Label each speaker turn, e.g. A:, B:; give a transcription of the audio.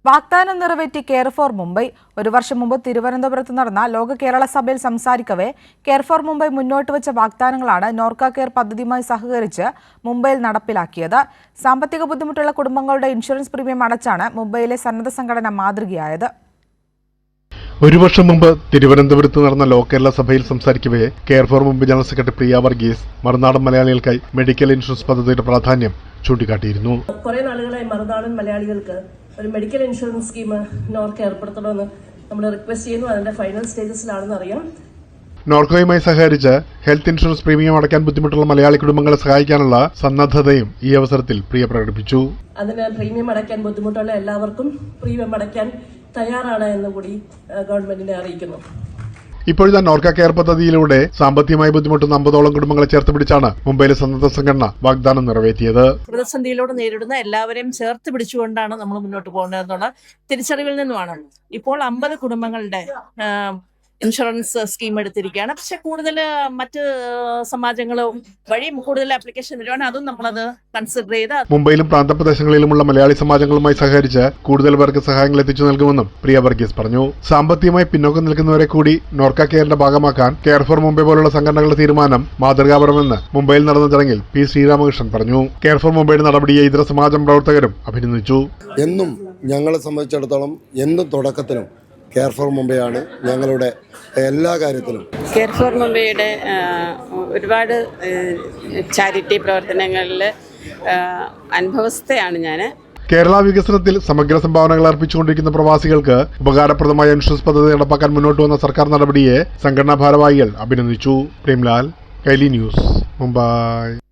A: വാഗ്ദാനം നിറവേറ്റി care for Mumbai. ഒരു വർഷം മുമ്പ് തിരുവനന്തപുരത്ത് നടന്ന ലോക കേരള സഭയിൽ സംസാരിക്കവേ കെയർ ഫോർ മുംബൈ മുന്നോട്ട് വെച്ച വാഗ്ദാനങ്ങളാണ് നോർക്ക കെയർ പദ്ധതിയുമായി സഹകരിച്ച് മുംബൈയിൽ നടപ്പിലാക്കിയത്. സാമ്പത്തിക ബുദ്ധിമുട്ടുള്ള കുടുംബങ്ങളുടെ ഇൻഷുറൻസ് പ്രീമിയം അടച്ചാണ് മുംബൈയിലെ സന്നദ്ധ സംഘടന മാതൃകയായത്.
B: ഒരു വർഷം മുമ്പ് തിരുവനന്തപുരത്ത് നടന്ന ലോ കേരള സഭയിൽ സംസാരിക്കവേ care for Mumbai general secretary Priya Varghese മറുനാടൻ മലയാളികൾക്കായി മെഡിക്കൽ ഇൻഷുറൻസ് പദ്ധതിയുടെ പ്രാധാന്യം ചൂണ്ടിക്കാട്ടിയിരുന്നു.
C: കുറെ നാളുകളായി മറുനാടൻ മലയാളികൾക്ക് ഒരു മെഡിക്കൽ ഇൻഷുറൻസ് സ്കീം നോർക്ക ഏർപ്പെടുത്തണമെന്ന് നമ്മൾ റിക്വസ്റ്റ് ചെയ്യുന്നു. അതിന്റെ ഫൈനൽ സ്റ്റേജസിലാണെന്ന് അറിയാം.
B: നോർക്കയുമായി സഹകരിച്ച് ഹെൽത്ത് ഇൻഷുറൻസ് പ്രീമിയം അടയ്ക്കാൻ ബുദ്ധിമുട്ടുള്ള മലയാളി കുടുംബങ്ങളെ സഹായിക്കാനുള്ള സന്നദ്ധതയും ഈ അവസരത്തിൽ പ്രിയ പ്രകടിപ്പിച്ചു.
C: അതിന് പ്രീമിയം അടയ്ക്കാൻ ബുദ്ധിമുട്ടുള്ള എല്ലാവർക്കും പ്രീമിയം അടയ്ക്കാൻ തയ്യാറാണ് എന്ന് കൂടി ഗവൺമെന്റിനെ അറിയിക്കുന്നു.
B: ഇപ്പോഴത്തെ നോർക്ക കെയർ പദ്ധതിയിലൂടെ സാമ്പത്തികമായി ബുദ്ധിമുട്ടുന്ന 50ഓളം കുടുംബങ്ങളെ ചേർത്ത് പിടിച്ചാണ് മുംബൈയിലെ സന്നദ്ധ സംഘടന വാഗ്ദാനം നിറവേറ്റിയത്.
D: പ്രതിസന്ധിയിലൂടെ നേരിടുന്ന എല്ലാവരെയും ചേർത്ത് പിടിച്ചുകൊണ്ടാണ് നമ്മൾ മുന്നോട്ട് പോകുന്നതെന്നുള്ള തിരിച്ചറിവിൽ നിന്നുമാണ് ഇപ്പോൾ 50 കുടുംബങ്ങളുടെ ഇൻഷുറൻസ് സ്കീം എടുത്തിരിക്കുകയാണ്. പക്ഷെ കൂടുതൽ മറ്റ് സമാജങ്ങളും വഴി കൂടുതൽ ആപ്ലിക്കേഷൻ വരുവാണ്. അതും നമ്മളത് കൺസിഡർ ചെയ്ത്
B: മുംബൈയിലും പ്രാന്തപ്രദേശങ്ങളിലുമുള്ള മലയാളി സമാജങ്ങളുമായി സഹകരിച്ച് കൂടുതൽ പേർക്ക് സഹായങ്ങൾ എത്തിച്ചു നൽകുമെന്നും പ്രിയ വർഗീസ് പറഞ്ഞു. സാമ്പത്തികമായി പിന്നോക്കം നിൽക്കുന്നവരെ കൂടി നോർക്ക കെയറിന്റെ ഭാഗമാക്കാൻ കെയർ ഫോർ മുംബൈ പോലുള്ള സംഘടനകളുടെ തീരുമാനം മാതൃകാപരമെന്ന് മുംബൈയിൽ നടന്ന ചടങ്ങിൽ പി ശ്രീരാമകൃഷ്ണൻ പറഞ്ഞു. കെയർ ഫോർ മുംബൈയുടെ നടപടിയെ ഇതര സമാജം പ്രവർത്തകരും അഭിനന്ദിച്ചു.
E: എന്നും ഞങ്ങളെ സംബന്ധിച്ചിടത്തോളം എന്നും തുടക്കത്തിലും കെയർ ഫോർ മുംബൈ ആണ് ഞങ്ങളുടെ എല്ലാ കാര്യത്തിലും.
F: കെയർ ഫോർ മുംബൈയുടെ ഒരുപാട് ചാരിറ്റി പ്രവർത്തനങ്ങളിൽ അനുഭവസ്ഥയാണ് ഞാൻ.
B: കേരള വികസനത്തിൽ സമഗ്ര സംഭാവനകൾ അർപ്പിച്ചുകൊണ്ടിരിക്കുന്ന പ്രവാസികൾക്ക് ഉപകാരപ്രദമായ ഇൻഷുറൻസ് പദ്ധതി നടപ്പാക്കാൻ മുന്നോട്ട് വന്ന സർക്കാർ നടപടിയെ സംഘടനാ ഭാരവാഹികൾ അഭിനന്ദിച്ചു. പ്രേംലാൽ, കൈലി ന്യൂസ്, മുംബൈ.